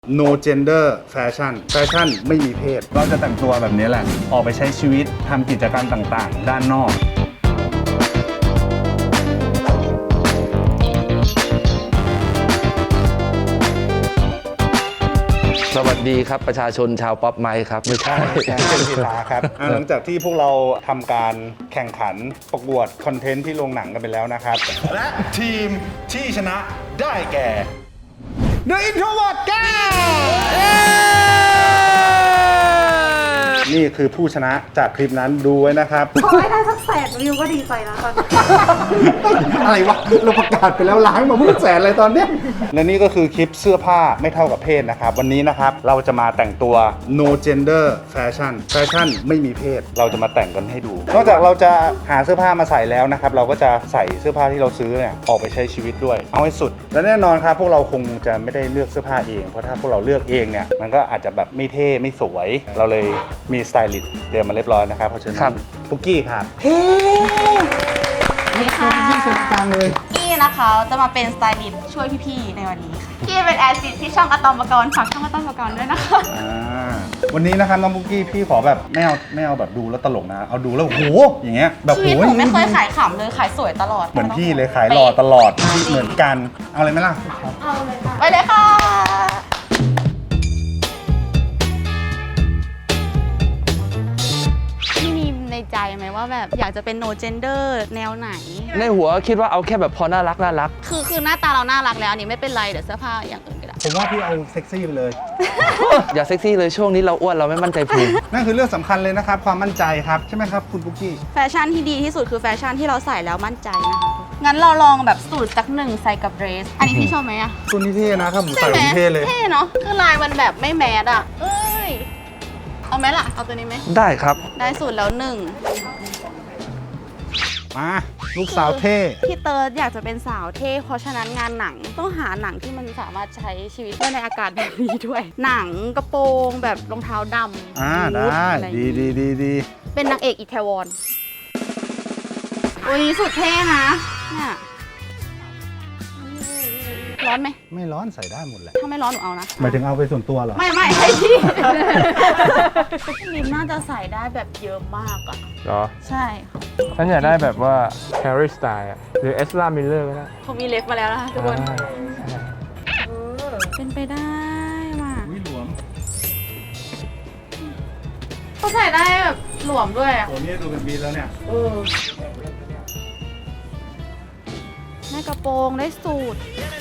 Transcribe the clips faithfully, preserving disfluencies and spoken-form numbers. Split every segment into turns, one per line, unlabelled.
no gender fashion แฟชั่นไม่มีเพศเราจะแต่งตัวแบบนี้แหละออกไปใช้ชีวิตทำกิจกรรมต่างๆด้านนอก
สวัสดีครับประชาชนชาวป๊อปไมค์ครับไม่ใช่
พี่ตาครับหลังจากที่พวกเราทำการแข่งขันประกวดคอนเทนต์ที่โรงหนังกันไปแล้วนะครับและทีมที่ชนะได้แก่ The Introvert แกนี่คือผู้ชนะจากคลิปนั้นดูไว้นะครับ
ขอให้ได้สักแสนวิวก็ดีใจแล้วตอนนี้
อะไรวะเราประกาศไปแล้วล้างมาเมื่อแสนอะไรตอนเนี้ยและนี่ก็คือคลิปเสื้อผ้าไม่เท่ากับเพศนะครับวันนี้นะครับเราจะมาแต่งตัว no gender fashion แฟชั่นไม่มีเพศเราจะมาแต่งกันให้ดูนอกจากเราจะหาเสื้อผ้ามาใส่แล้วนะครับเราก็จะใส่เสื้อผ้าที่เราซื้อเนี่ยออกไปใช้ชีวิตด้วยเอาให้สุดและแน่นอนครับพวกเราคงจะไม่ได้เลือกเสื้อผ้าเองเพราะถ้าพวกเราเลือกเองเนี่ยมันก็อาจจะแบบไม่เท่ไม่สวยเราเลยมีสไตลิสต์เตรียมมาเรียบร้อยนะครับเพราะฉะนั้นปุกกี้ครับเฮ้นี่ค่ะพี่เซ็ตกลางเลย
กี้นะคะจะมาเป็นสไตลิสต์ช่วยพี่ๆในวันนี้ค่ะกี้เป็นแอดมินที่ช่องอะตอมปกรณ์ฝากช่องอะตอมปกรณ์ด้วยนะคะ
อ่าวันนี้นะครับน้องปุกกี้พี่ขอแบบไม่เอาไม่เอาแบบดูแล้วตลกนะเอาดูแล้วโอ้โหอย่างเงี้ยแบบ
ชี
โอ้
วิต
ย
หนูไม่เคยขายขำเลยขายสวยตลอด
เหมือนพี่เลยขายหล่อตลอดเหมือนกันเอาเลยไหมล่ะ
เอาเลยค่ะไปเลยค่ะพี่มีในใจไหมว่าแบบอยากจะเป็น no gender แนวไหน
ในหัวคิดว่าเอาแค่แบบพอน่ารักน่ารัก
คือคือหน้าตาเราน่ารักแล้วอันนี้ไม่เป็นไรเดี๋ยวเสื้อผ้าอย่างอื่นก็ได้
ผมว่าพี่เอาเซ็กซี่ไปเลย
อย่าเซ็กซี่เลยช่วงนี้เราอ้วนเราไม่มั่นใจพุง
นั่นคือเรื่องสำคัญเลยนะครับความมั่นใจครับใช่ไหมครับคุณปุกกี้
แฟชั่นที่ดีที่สุดคือแฟชั่นที่เราใส่แล้วมั่นใจนะคะงั้นเราลองแบบสูตรสักหนึ่งใส่กับเดรสอันนี้พี่ชอบไหมอะ
ตัวนี้เท่นะถ้าผม
ใช่
ใส่
ไหม
ผมเท่เลย
เท่เนาะคือลายมันแบบไม่แมสอะเอ้ยเอาไหมล่ะเอาตัวนี้ไหม
ได้ครับ
ได้สูตรแล้วหนึ่ง
มาลูกสาวเท่
พี่เติร์ดอยากจะเป็นสาวเท่เพราะฉะนั้นงานหนังต้องหาหนังที่มันสามารถใช้ชีวิตได้ในอากาศแบบนี้ด้วย หนังกระโปรงแบบรองเท้าดำ
อ่า
บูท
ได้
อะไรอย่าง
ดี
งี้
ดีดีดี
เป็นนางเอกอิตาลีวันนี้สุดเท่นะเนี่ยร้อนไหม
ไม่ร้อนใส่ได้หมดแหละ
ถ้าไม่ร้อนหนูเอานะ
หมายถึงเอาไปส่วนตัวเหรอ
ไม่ไม่ให้พี่ลิมน่าจะใส่ได้แบบเยอะมากอ่ะ
เหรอ
ใช่
ฉันอยากได้แบบว่า Harry Styles อะหรือ Ezra Miller ก็ได้
เขามีเล็บมาแล้วนะคะทุกคน
อ่า
เป็นไปได้ว่ะ
อุ้ยหลวม
เขาใส่ได้แบบหลวมด้วยอ่ะ
ตัวนี้ดูเป็นบีแล้วเนี่ย
เออได้กระโปรงได้สูท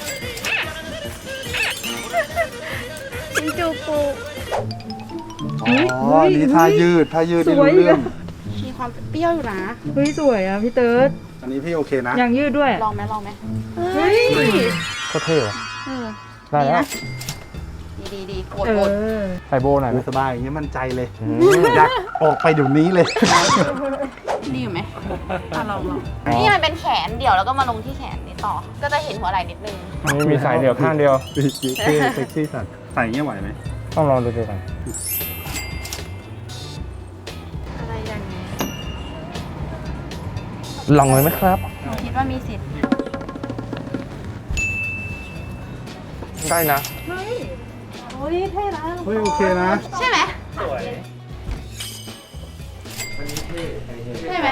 ชินจูกุ
อ๋อนี่ท่ายืดท่ายืดที่รู้เรื่อง
มีความเปรี้ยวอยู่นะ
เฮ้ยสวยอ่ะพี่เติร์ด
อันนี้พี่โอเคนะ
ยางยืดด้วย
ลองไหมลองไหมเฮ้ย
โคตรเท่ว่ะ
เออ
ได้
ดี
แล้ว
นะดีดีดีกด
เอก
ด
อ
ใส่โบหน่อยไหม
สบายอย่างเงี้ยมั่นใจเลยอยากออกไปเดี๋ยวนี้เลย
ดีอยู่ไหมอ่ะลองลองนี่มันเป็นแขนเดี่ยวแล้วก็มาลงที่แขนนี้ต่อ ก็จะเห็นหัวไหล่นิดนึง
นี่มีสายเดี่ยวข้างเดียว
เท่เซ็กซี่สัตว์ใส่อย่างเงี้ยไหวไหม
ต้องลองดูดูกัน
อะไรอย่างนี้
ลองเลยไหมครับ
หนูคิดว่ามีสิทธิ์
ได้นะ
โอ้ยเท่นะ
เฮ้ยโอเคนะ
ใช่ไหมใช่ไหม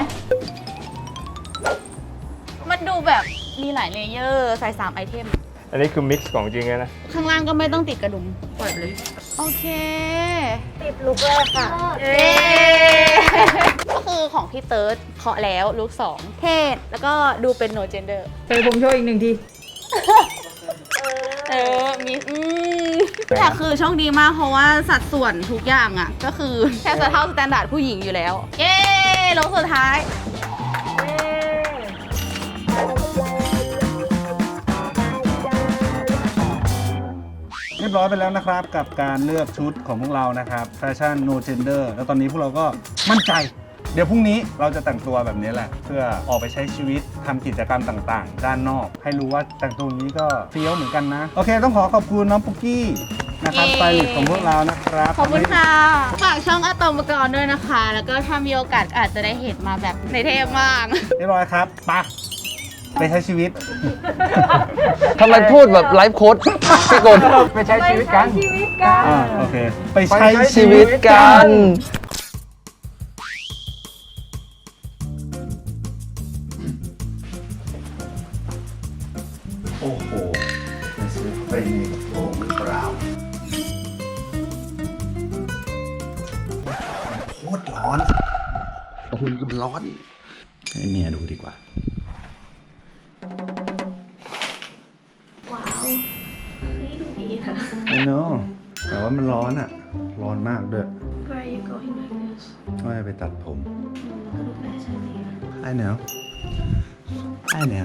มันดูแบบมีหลายเลเยอร์ใส่สามไอเทม
อันนี้คือมิกซ์ของจริงเลยนะ
ข้างล่างก็ไม่ต้องติดกระดุมปล่อยไปเลย โอเค
ติดลุกเลยค่ะ
เย้ก็คือของพี่เติร์ดเคาะแล้วลุคสองเท่แล้วก็ดูเป็น no gender
เจอผมโชว์อีกหนึ่งที
เออ มีอืมแต่คือโชคดีมากเพราะว่าสัดส่วนทุกอย่างอ่ะ ก็คือแค่จะเท่าสแตนดาร์ดผู้หญิงอยู่แล้ว เย้ลงสุดท้าย
เรียบร้อยไปแล้วนะครับกับการเลือกชุดของพวกเรานะครับแฟชั่น no gender แล้วตอนนี้พวกเราก็มั่นใจ เดี๋ยวพรุ่งนี้เราจะแต่งตัวแบบนี้แหละ เพื่อออกไปใช้ชีวิตทำกิจกรรมต่างๆ ด้านนอก ให้รู้ว่าแต่งตัวอย่างนี้ก็เฟี้ยวเหมือนกันนะ โอเคต้องขอขอบคุณน้องปุกกี้นะครับ
เย้
สไตลิสต์ของพวกเรานะครับ
ขอบคุณค่ะ ฝากช่องอะตอมกรด้วยนะคะ แล้วก็ถ้ามีโอกาสอาจจะได้เห็นมาแบบในเทพมาก
เรียบร้อยครับไป
ไป
ไปใช้ชีวิต
ทำไมพูดแบบไลฟ์โค้ดพี่กล
ไปใช้ชีวิตกัน
ชีวิตกัน
อ่าโอเค ไปใช้
ชี
ชี
วิ
วิ
ต
ต
กั
กัน น โอ้โหจะซื้อไปในกระโปรงหรือเปล่าโคตรร้อน
โอ้โหมันร้อน
ให้เมียดูดีกว่า
ว้าวเฮ้ยดูดีนะ
I know แต่ว่ามันร้อนอ่ะ ร้อนมากด้วย
Where are you going like this
ว่าจะไปตัดผม
ก็ดูแฟชั่นดีนะ
I know I know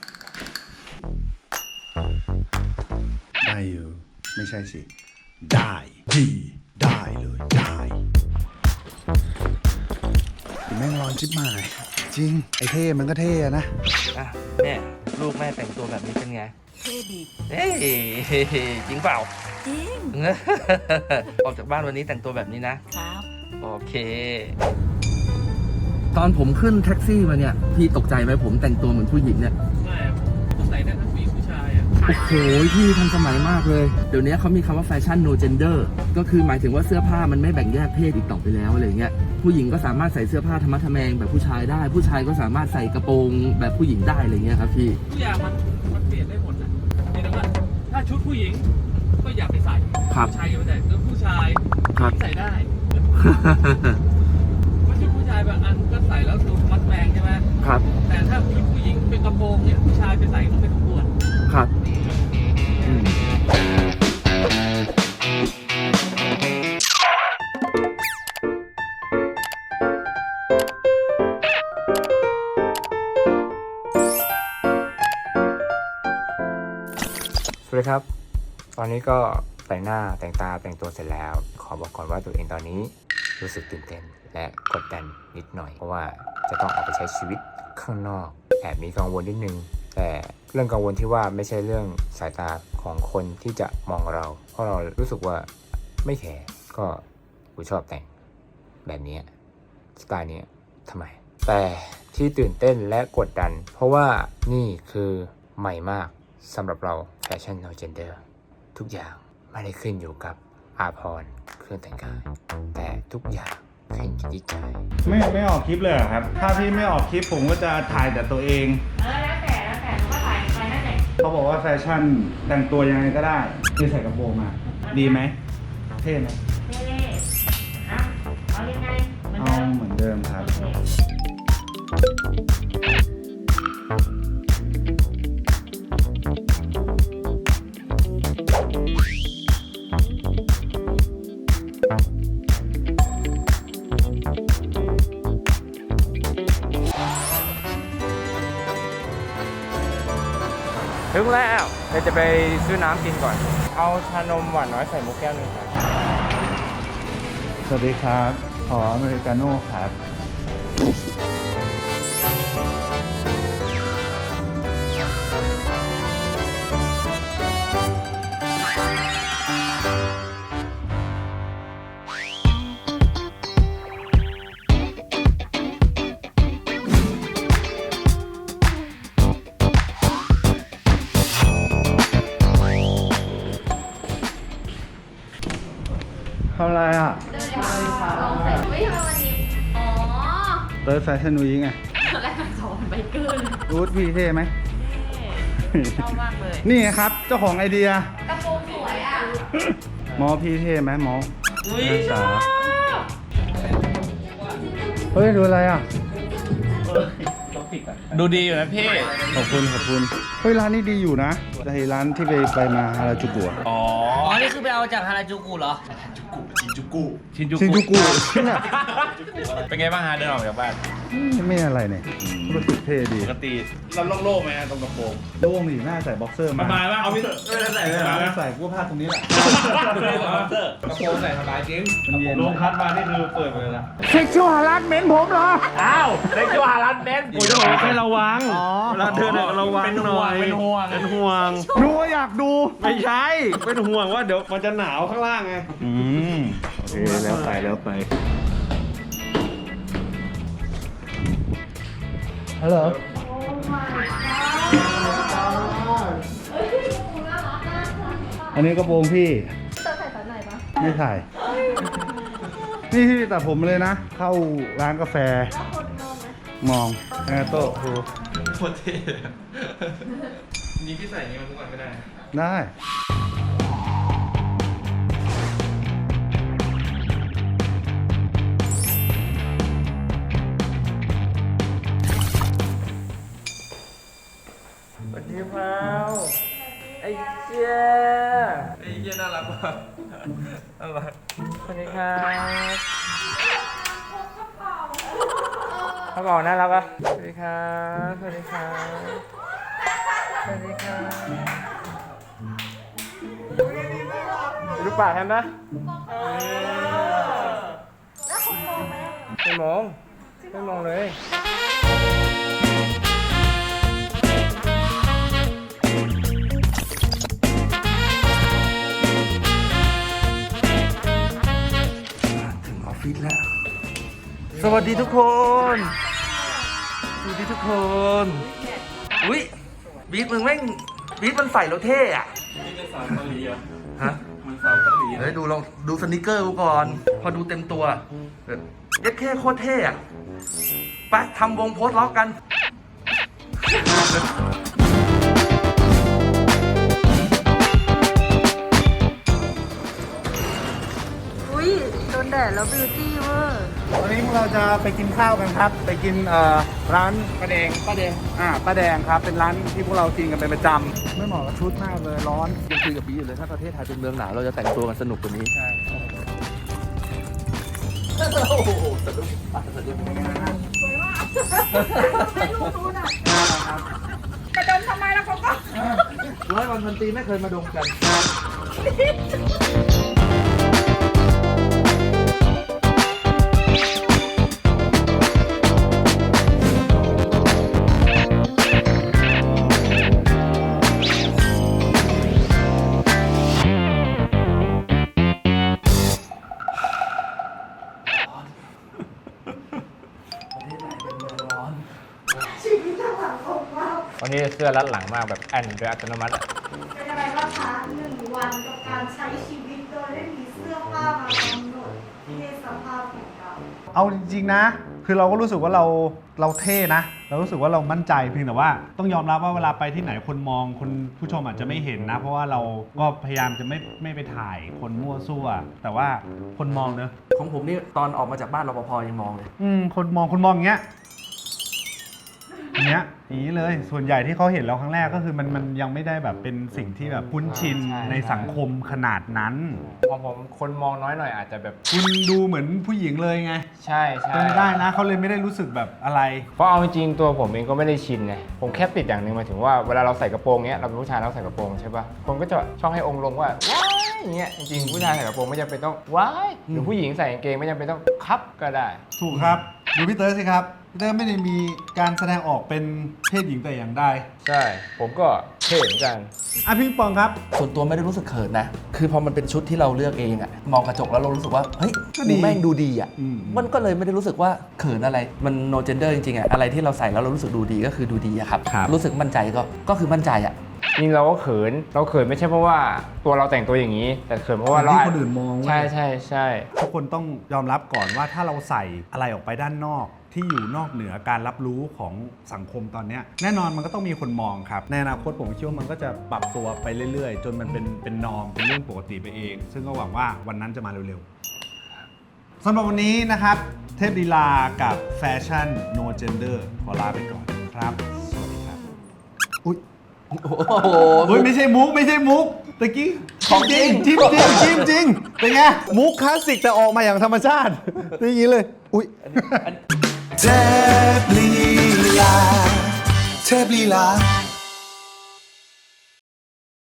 ได้อยู่ ไม่ใช่สิ ได้ดีได้เลยได้แม่งร้อนชิบหาย จริง ไอ้เท่มันก็เท่อะนะ
อ่ะแม่ลูกแม่แต่งตัวแบบนี้เป็นไง เท่ดีเอ้ยจริงเปล่า จริง ออกจากบ้านวันนี้แต่งตัวแบบนี้นะ ครับ โอเค ตอนผมขึ้นแท็กซี่มาเนี่ย พี่ตกใจไหมผมแต่งตัวเหมือนผู้หญิงเนี่ย
ไม่ใส่ได้ทั้งผู้หญิงผู้ชายอ่ะ
โอ้โหพี่ทันสมัยมากเลย เดี๋ยวนี้เขามีคำว่าแฟชั่น no gender ก็คือหมายถึงว่าเสื้อผ้ามันไม่แบ่งแยกเพศอีกต่อไปแล้วอะไรเงี้ย ผู้หญิงก็สามารถใส่เสื้อผ้าธรรมะทแมงแบบผู้ชายได้ ผู้ชายก็สามารถใส่กระโปรงแบบผู้หญิงได้อะไรเงี้ยครับพี่
ทุกอย่างมันมันเปลี่ยนได้หมดนะเพียงแต่ว่าถ้าชุดผู้หญิงก็อย่าไปใส่
ครับ
ผู้ชายอย่าไปใส่แล้วผู้ชาย
ครับ
ใส่ได้เพราะชุดผู้ชายบางอันก็ใส่แล้วดูมัดแมงใช่ไหม
ครับ
แต่ถ้าชุดผู้หญิงเป็นกระโปรงเนี่ยผู้ชายไปใส่ก็ไม่สมควร
ครับอืม
สวัสดีครับ ตอนนี้ก็แต่งหน้าแต่งตาแต่งตัวเสร็จแล้ว ขอบอกก่อนว่าตัวเองตอนนี้รู้สึกตื่นเต้นและกดดันนิดหน่อย เพราะว่าจะต้องออกไปใช้ชีวิตข้างนอกแอบมีกังวลนิดนึง แต่เรื่องกังวลที่ว่าไม่ใช่เรื่องสายตาของคนที่จะมองเรา เพราะเรารู้สึกว่าไม่แคร์ก็กูชอบแต่งแบบนี้สไตล์นี้ทำไม แต่ที่ตื่นเต้นและกดดัน เพราะว่านี่คือใหม่มากสำหรับเราแฟชั่น no gender ทุกอย่างไม่ได้ขึ้นอยู่กับอาภรณ์เครื่องแต่งกายแต่ทุกอย่างขึ้นอยู่ที่ใจ
ไม่ไม่ออกคลิปเลยเหรอครับ ถ้าพี่ไม่ออกคลิปผมก็จะถ่ายแต่ตัวเอง
เออแล้วแต่แล้วแต่ก็ถ่ายไปนั่นแหละ
เขาบอกว่าแฟชั่นแต่งตัวยังไงก็ได้ที่ใส่กระโปรงมา ดีไหม เท่ไหม
เล่ๆอ่ะเอายังไงเหมือน
เอา
เดิม
เหมือนเดิมครับ
ถึงแล้วเดี๋ยวจะไปซื้อน้ำกินก่อน เอาชานมหวานน้อยใส่มุกแก้วหนึงครับ
สวัสดีครับ ขออเมริกาโน่ครับ ทำอะไรอ่ะ
ไม่ทำวันนี้ อ๋อ
เติร์ดแฟชั่นวีคไง
ตอนแรกมันสอนไบเกอร์เลย
รูทพี่เท่ไหม
ชอบมากเลย
นี่ไงครับ เจ้าของไอเดีย
กระโปรงสวยอ่ะ
หมอพี่เท่ไหมหมอนักศึกษาเฮ้ย ดูอะไรอ่ะ
ดูดีอยู่นะพี่
ขอบคุณ ขอบคุณ เฮ้ย ร้านนี้ดีอยู่นะไอ้ร้านที่ไปไปมาฮาราจูกุอะ
อ๋อ
อ๋อ นี่คือไปเอาจากฮาราจูกุเหรอ
ชินจูกุ
ชินจูกุเนี่ย
เป็นไงบ้างฮะเดินออกจากบ้าน
ไม่อะไรเนี่ยรู้สึกเท่ดี
ปกติเราโล่งๆไหมฮะตรงกระโปรง
โล่งดิหน้าใส่บ็อกเซอร์
ส
มา
บายป่ะเอาพี่เถอะไม่ได้ใส่เลยเหรอ
ใส่กู้ผ้าตรงนี้แหละ
กระโปรงใส่สบายจริง
มันเย็น
ลงคัดมานี่คือเปิดไปเลยนะ
เซ็กชวลฮาร์ดเมนผมเหรอ
อ้าวเล็กจัวฮารันเบน
โอ้ยจะบอกว่าให้ระวัง
อ๋อ
เวลาเดินเนี่ยระวัง
เป็น
ห
ห่
น่
ว
อง ย
เป็นห่วง
เป็นห่วง
ดูว่าอยากดู
ไม่ใช่ เป็นห่วงว่าเดี๋ยวมันจะหนาวข้างล่างไง
อืมโอเคแล้วไปแล้วไป ฮัลโหลอันนี้กระโปรงพี่
เธอใส่ตอนไหนปะ
ไม่ถ่าย นี่พี่ตัดผมเลยนะ เข้าร้านกาแฟ
แล้วคนมองไหม
มองแอร์โต้ครู
โคตรเท่นี่พี่ใส่อย่างนี้มาทุกวันก็ได้
ได้
สวัสดีพาวไอ้เจ้าไอ้เจ้าน่ารักว่ะน่ารักสวัสดีครับกระเป๋าน่ารักอ่ะสวัสดีครับสวัสดีครับสวัสดีครับรูปปากแทนนะไม่มองไม่มองเลย
ถึงออฟฟิศแล้ว สวัสดีทุกคน สวัสดีทุกคน อุ้ยบีทมึงแม่งบีทมันใส่แล้วเท่อะ
นี่เป็นสาวเกาหลีเหรอ
ฮะ
มันสาวเกาหลี
เฮ้ยดูลองดูสนิเกอร์กูก่อน พอดูเต็มตัวแบบยัดแค่โคตรเท่อะไปทำวงโพสต์ล็อกกัน
อุ้ยโดนแดดแล้วบิวตี้เวอร์
วันนี้พวกเราจะไปกินข้าวกันครับ ไปกินเอ่อร้านป้าแดงป้าแดงอ่าป้าแดงครับ เป็นร้านที่พวกเรากินกันเป็นประจำไม่เหมาะกับชุดมากเลยร้อน
ยังคุยกับบีอยู่เลยถ้าประเทศไทยเป็นเมืองหนาวเราจะแต่งตัวกันสนุกกว่านี้ ใช่โอ้โหสนุกมากสนุกมาก
จะดมทำไมล่ะเขาก็
ร้อยวันพันปีไม่เคยมาดมกัน
ชีวิตทางหลังของเรา
วันนี้เสื้อรัดหลังมากแบบแอนโดยอัตโนมัติอะ
เป็นอะไรบ้างคะหนึ่งวันกับการใช้ชีวิตโดยไม่มีเสื้อผ้ามากำหนดเพศสภาพของเรา
เอาจริงๆนะ คือเราก็รู้สึกว่าเราเราเท่นะ เรารู้สึกว่าเรามั่นใจเพียงแต่ว่าต้องยอมรับว่าเวลาไปที่ไหนคนมองคนผู้ชมอาจจะไม่เห็นนะ เพราะว่าเราก็พยายามจะไม่ไม่ไปถ่ายคนมั่วซั่ว แต่ว่าคนมองเนอะ
ของผมนี่ตอนออกมาจากบ้านรปภยังมองเลย
อืมคนมองคนมองอย่างเงี้ยอย่างเงี้ยอย่างนี้เลยส่วนใหญ่ที่เขาเห็นเราครั้งแรกก็คือมันมันยังไม่ได้แบบเป็นสิ่งที่แบบคุ้นชินในสังคมขนาดนั้น
ของผมคนมองน้อยหน่อยอาจจะแบบ
คุณดูเหมือนผู้หญิงเลยไง
ใช่ใช่
เป็นได้นะเขาเลยไม่ได้รู้สึกแบบอะไร
เพราะเอาจริงๆตัวผมเองก็ไม่ได้ชินไงผมแค่ติดอย่างหนึ่งหมายถึงว่าเวลาเราใส่กระโปรงเนี้ยเราเป็นผู้ชายเราใส่กระโปรงใช่ป่ะคนก็จะชอบให้องค์ลงว่าว้ายอย่างเงี้ยจริงๆผู้ชายใส่กระโปรงไม่จำเป็นต้องว้ายหรือผู้หญิงใส่กางเกงไม่จำเป็นต้องคับก็ได้
ถูกครับดูพี่เตอร์สิครับพี่เตอร์ไม่ได้มีการแสดงออกเป็นเพศหญิงแต่อย่างใด
ใช่ผมก็เท่เหมือนกัน
อ่ะพี่ปองครับ
ส่วนตัวไม่ได้รู้สึกเขินนะ คือพอมันเป็นชุดที่เราเลือกเองอะมองกระจกแล้วเรารู้สึกว่า เฮ้ย
ก็ดี
ดูแม่งดูดีอะ
อืม
มันก็เลยไม่ได้รู้สึกว่าเขินอะไร มัน no gender จริงๆอะอะไรที่เราใส่แล้วเรารู้สึกดูดีก็คือดูดีอะครับ รู้สึกมั่นใจก็ ก็คือมั่นใจอะ
จริงเราก็เขินเราเขินไม่ใช่เพราะว่าตัวเราแต่งตัวอย่างนี้ แต่เขินเพราะว่าเรา
ที่คนอื่นมองเว้ย
ใช่ใช่ใช่
ทุกคนต้องยอมรับก่อนว่าถ้าเราใส่อะไรออกไปด้านนอก ที่อยู่นอกเหนือการรับรู้ของสังคมตอนเนี้ยแน่นอนมันก็ต้องมีคนมองครับในอนาคตผมเชื่อว่ามันก็จะปรับตัวไปเรื่อยๆ จนมันเป็นเป็นนอมเป็นเรื่องปกติไปเอง ซึ่งก็หวังว่าวันนั้นจะมาเร็วๆสำหรับวันนี้นะครับเทพลีลากับแฟชั่น no gender ขอลาไปก่อนครับสวัสดีครับอุ๊ย
โอ้โห
เฮ้ยไม่ใช่มุกไม่ใใช่มุกตะกี้
ของจริง
จริงจริงจริงจริงเป็นไงมุกคลาสสิกแต่ออกมาอย่างธรรมชาติอย่างนี้เลยอุ๊ย
เทพลีลาเทพลีลา